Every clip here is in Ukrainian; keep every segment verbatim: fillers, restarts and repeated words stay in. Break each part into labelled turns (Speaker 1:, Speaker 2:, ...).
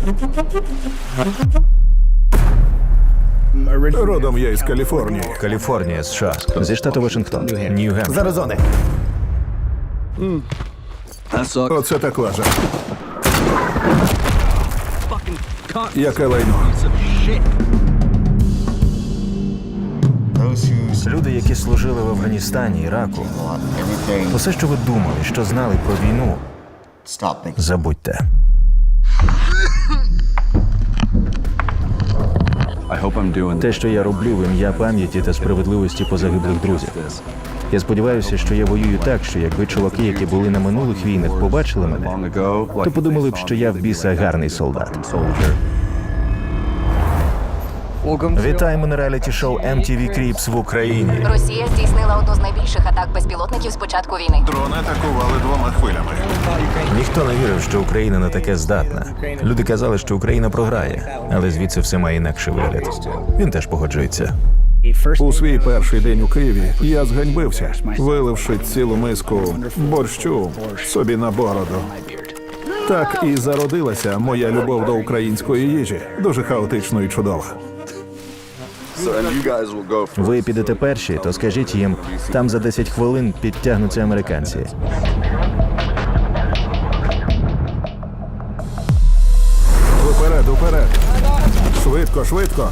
Speaker 1: Родом я із Каліфорнії.
Speaker 2: Каліфорнія, США. Зі штату Вашингтон. Нью-Гемпшир.
Speaker 1: З Аризони. Оце так лажа. Яке лайно.
Speaker 2: Люди, які служили в Афганістані, Іраку, усе, що ви думали, що знали про війну, забудьте. Те, що я роблю в ім'я пам'яті та справедливості позагиблих друзів. Я сподіваюся, що я воюю так, що якби чуваки, які були на минулих війнах, побачили мене, то подумали б, що я в біса гарний солдат. Вітаємо на реаліті-шоу ем ті ві Cribs в Україні.
Speaker 3: Росія здійснила одну з найбільших атак безпілотників з початку війни.
Speaker 1: Дрони атакували двома хвилями.
Speaker 2: Ніхто не вірив, що Україна на таке здатна. Люди казали, що Україна програє, але звідси все має інакший вигляд. Він теж погоджується.
Speaker 1: У свій перший день у Києві я зганьбився, виливши цілу миску борщу собі на бороду. Так і зародилася моя любов до української їжі. Дуже хаотично і чудово.
Speaker 2: Ви підете перші, то скажіть їм, там за десять хвилин підтягнуться американці.
Speaker 1: Уперед, уперед! Швидко, швидко!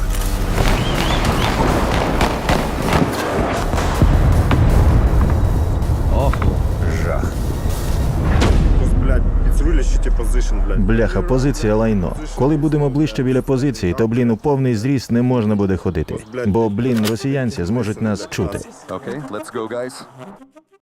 Speaker 2: Жах.
Speaker 4: Блядь, it's really shitty position, блядь.
Speaker 2: Бляха, позиція лайно. Коли будемо ближче біля позиції, то, блін, у повний зріст не можна буде ходити. Бо, блін, росіянці зможуть нас чути.
Speaker 5: Okay, let's go, guys.